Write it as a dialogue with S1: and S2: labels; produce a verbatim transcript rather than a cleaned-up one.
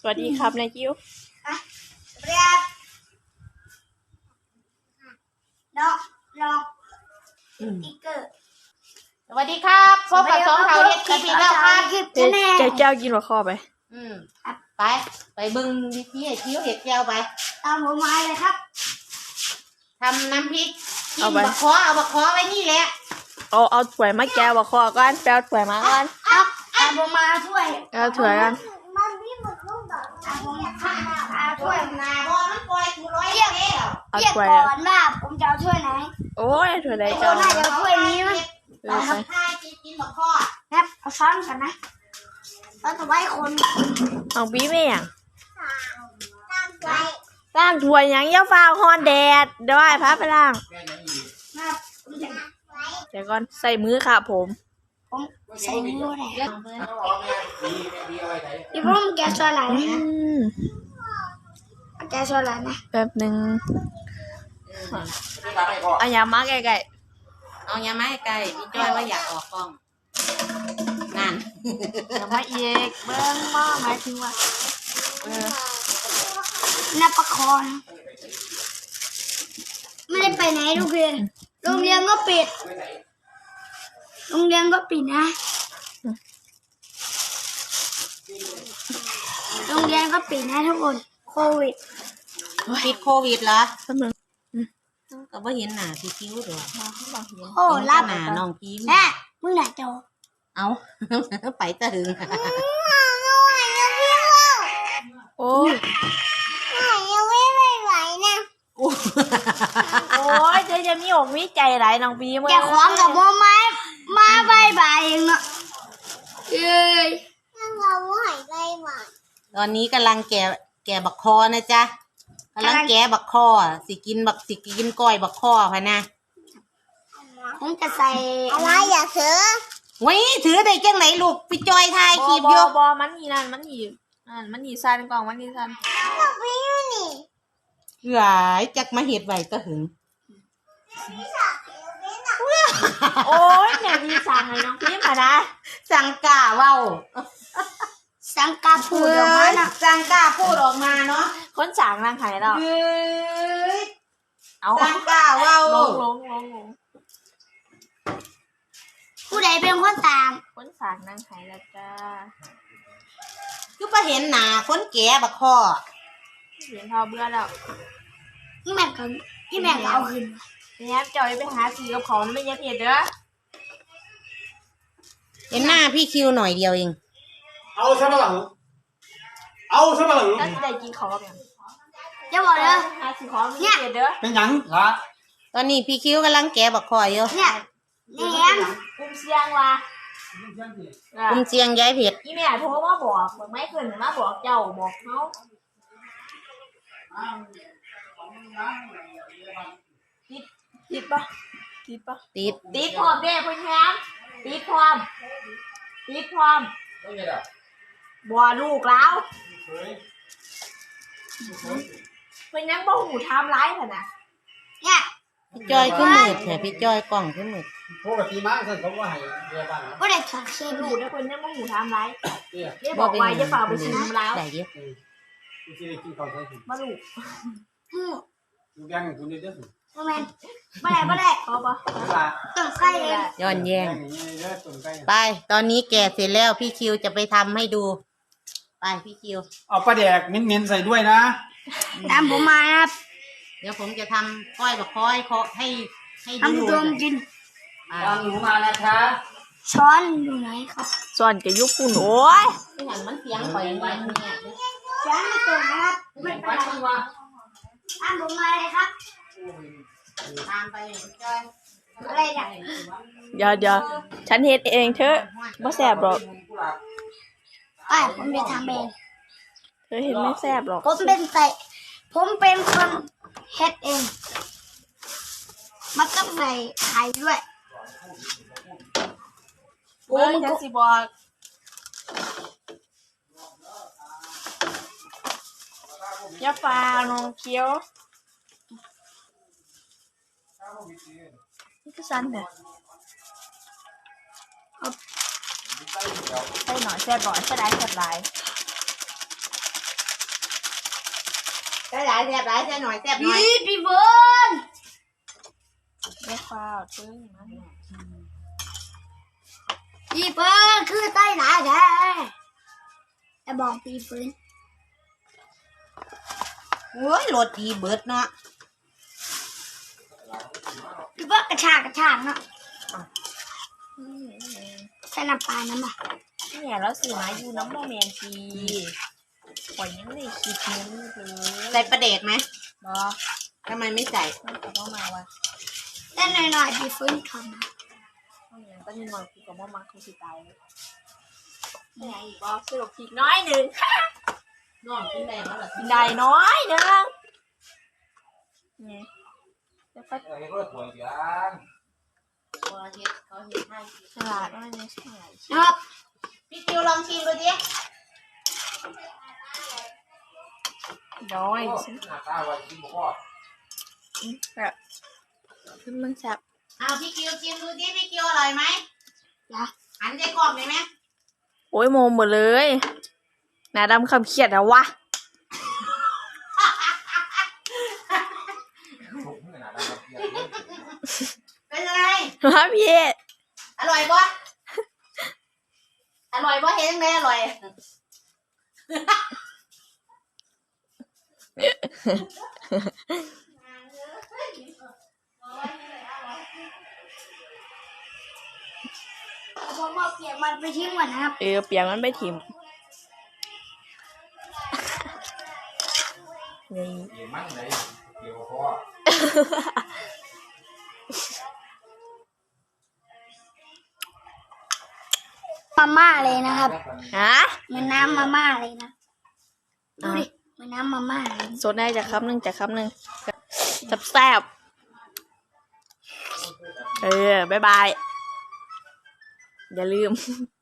S1: วัสดีครับนายคิว
S2: เรียบนอกนอกติ๊กเกอร์
S3: สวัสดีครับพบกับสองเท่าเอ็ดคลิปอีกแล้วครับ
S1: เจ๊เจ๊เจ้ากินหัวข้อไป
S3: อืมไปไปบึงวิธีให้คิ้วเห็ดแก้วไป
S2: ตามผมมาเลยครับ
S3: ทำน้ำพริกกินบะคอเอาบะคอไว้นี่แหละ
S1: เอาเอาถ้วยมาแก้วหัวข้อก่อนแปลถ้วยมาก่อน
S2: ครับตามผมมาช่วย
S1: เอาถ้วยกัน
S2: มันมีหมดลูกดอกตามผมมาช่วย
S3: นาบอมันปล่อยกูร้อยเรียกเ
S2: รียกก่อนว่าผมจะเอาช่วยไหน
S1: โอ้ยถ้วยไหน
S2: เจ้าน่าจะเอาช่วยนี้มั้ย
S3: ครับถ้ากินบะคอ
S2: ครับเอาช้อนกันนะช้อนจะไว้คน
S1: เอาบีไม่ยัง
S2: ตั้งไว้
S1: ล้างถ้วยยังย่าฟ้าฮอนแดดเดี๋ยวไอ้พับไปล้างเดี๋ยวก่อนใส่มือค่ะผม
S2: ผมใส่มือเลยอีพุ่มแกชวนอะไรนะแกชวนอะไรนะ
S1: แป๊บหนึ่งเอายามาใกล้
S3: ๆเอายามาใกล้พี่จ้อยว่าอยากออกกล้องนั่น
S1: ยามาเอกเบิ้งมาหมายถึงว่าเออ
S2: นับประคองไม่ได้ไปไหนโรงเรียนโรงเรียนก็ปิดโรงเรียนก็ปิดนะโรงเรียนก็ปิดนะทุกคนโควิด
S3: ปิดโควิดเหรอก็บ่เห็นหน้าพี่คิ้วดอก
S2: โอ้รับ
S3: หน้าน้องพิม
S2: แม่มึงไหนโจ
S3: เอาไปตะหึง
S1: โอ้ย
S2: ยังไม่ไหวนะ
S1: โอ้ยเจ๊จะมีอกมีใจหลายน้องพีมึง
S2: แกขวางกับโมไม้มาใบใบเองเนาะเอ้ยนั่งเราหายใจหวาน
S3: ตอนนี้กำลังแกะแกะบักคอนะจ๊ะกำลังแกะบักคอสิกินบักสิกินก้อยบักคอพะนะ
S2: ผมจะใส่อะไรอย่าถือ
S3: ไว้ถือได้จังไหนลูกพี่จอยถ่ายคลิปอยู่
S1: บอมันนี่นั่นมันนี่นั่นมันนี่ซันกล่องมันนี่ซัน
S3: หลายจักมาเห็ดไว้ก็หึง
S1: โอ้ยแม่ดีสั่งให้น้องพิมพ์มานะ
S3: สั่งกล้าเว้า
S2: สั่งกล้าพูดออกมานะ
S3: สั่งกล้าพูดออกมาเนาะ
S1: คนสั่งนางไข่เรา
S3: เอาสั่งกล้าเว้า
S1: ลงลงลงลง
S2: ผู้ใดเป็นคนต่าง
S1: คนสั่งนางไข่แล้วจ้า
S3: คือไปเห็นหน้าคนแก่บักคอ
S1: เห็นพอเบื่อแล้ว
S2: นี่แม่ก็นี่แม่ก็เอาขึ้น
S1: เนี่ยจอยไปหาซื้อกับของไม่ยัดเยียดเด้อ
S3: เห็นหน้าพี่คิวหน่อยเดียวเอง
S4: เอาใช่ไหมหลังเอาใช่ไหมหลัง
S1: แล้วได้กินของแบบ
S2: จะบอกเลย
S1: หาซื้อของเนี่ยเด้อ
S4: เป็นยังล่ะ
S3: ตอนนี้พี่คิวกำลังแกะบักคออยู่
S2: เนี่ยเนี่ย
S1: กุ้มเสียงว่ะ
S3: กุ้มเสียงย้ายเผ็ด
S1: อีแม่โทรมาบอกบอกไม่ขึ้นมาบอกเจ้าบอกเขาติดติดปะติดปะ
S3: ติด
S1: ติดพร้อมเด้คุณแฮมติดพร้อมติดพร้อมบัวลูกแล้วเป็นยังบ่หูทำร้ายขนาด
S2: เนี่ย
S3: พี่จอยขึ้นมืดแถพี่จอยกล่องขึ้นมืด
S4: ปกติมาสั่นเขาว่าให้เรียบ้าน
S2: ก็ได้ถักเชื
S1: อกดูนะคนยังบ่หูทำร้ายเนี่ยบอกไว้จะฝ่าไปชิมแล้ว
S3: ได้เยอะ
S1: มาลูก
S4: ลูกยังคุณได้เยอะสุด
S2: ไม่ได้ไม่ได้ไม่ได้
S1: พอปะ
S2: ต้องใกล้เลย
S3: ย้อนแย้งไปตอนนี้แกะเสร็จแล้วพี่คิวจะไปทำให้ดูไปพี่คิว
S4: เอาปลาแดกเน้นๆใส่ด้วยนะ
S2: ตามผมมาครับ
S3: เดี๋ยวผมจะทำก้อยแบบก้อยเคาะให้ให้ดู
S2: ทำดมกิน
S4: ตามหนูมานะคะ
S2: ช้อนอยู่ไหนครับ
S1: ช้อนจะยุบปุ่นโอ้ย
S3: ไม่หันมันเสียงปล่อยไว้เนี่ย
S2: ช้อนไม่ตรงนะครับไม่เป็นไรตามผมมาเลยครับ
S3: ตามไปจอย
S2: อะไรเนี่ย
S1: เดี๋ยวเดี๋ยวฉันเฮ็ดเองเถอะไม่แซ่บหรอก
S2: ไอ้ผมจะทำเอง
S1: เธอเห็นไม่แซ่บหรอก
S2: ผมเป็นใส่ผมเป็นคนเฮ็ดเองมันต้องใส่ไข่ด้วย
S1: โอ้ยฉันสิบอกยาฟ้าน้องเคี้ยวนี่คือสั้นเนี่ยใส่หน่อยแซ่บหน่อยแซ่บได้แซ่บหลาย
S3: ใส่หลายแซ่บหลายใส่หน่อยแซ่บหน่อย
S2: พี่พี่เบิร์น
S1: ไม่ฟ้าวตึ้งมัน
S2: พี่เบิร์นคือใต้หนาแท้แต่บอกพี่เบิร์น
S3: โอ้ยรสดีเบิดเนาะ
S2: พี่เบิร์นกระชากกระชากเนาะใส่น้ำปลาน้ำบ่
S1: เนี่ยเราสื่อมาอยู่น้ำโมเมนทีปล่อยยังไม่คิดนึงเลย
S3: ใส่ประเดดไหม
S1: บอ
S3: ทำไมไม่ใส่
S1: มันก็ต้องมาว่ะ
S2: แต่หน่อยๆพี่เบิร์นทำ
S1: ต้องอย่างก็นี่หน่อยกูกับว่ามาเขาสิตายเนี่ยอีกบอสรุปผิดน้อยหนึ่ง
S3: น้องกินได้แล้วเหรอ
S1: กินได้น้อยหนึ่งเนี่ยแล้วก็
S4: เอ้ยก็ถวยกัน
S3: เขาเฮ็ดเขาเฮ็ดให้
S1: ฉลาดมากเลยฉลาด
S2: นะครับ
S3: พี่คิวลองชิมดูดิ
S1: น้อย
S4: โอ้
S1: ฉัน
S4: หน้าตาว่ากินบ่พอ
S1: แบบขึ้นมึงแซ่บ
S3: เอาพี่คิวชิมดูดิพี่คิวอร่อยไหม
S2: จ้ะ
S3: หันใจกรอบหน่อยไหม
S1: โอ้ยโมหมดเลยหนาดำคำเขียดนะวะ
S4: ถูกขนาดนั้นครับเพียรเลย
S3: เป็นยังไง
S1: มาพี่
S3: อร่อยปะอร่อยปะเห็นยังไงอร่อย
S2: ผมเอาเปียกมันไปทิ้งก่อนนะครับ
S1: เออเปียกมันไปถิ่มนี่
S4: เกี่ยวมั่งเลยเกี่ยวคอ
S2: มาม่าเลยนะครับ
S1: ฮะ
S2: เหมือนน้ำมาม่าเลยนะดูดิเหมือนน้ำมาม่าเลย
S1: โซนได้จากคำหนึ่งจากคำหนึ่งแซ่บๆเออ บ๊ายบาย อย่าลืม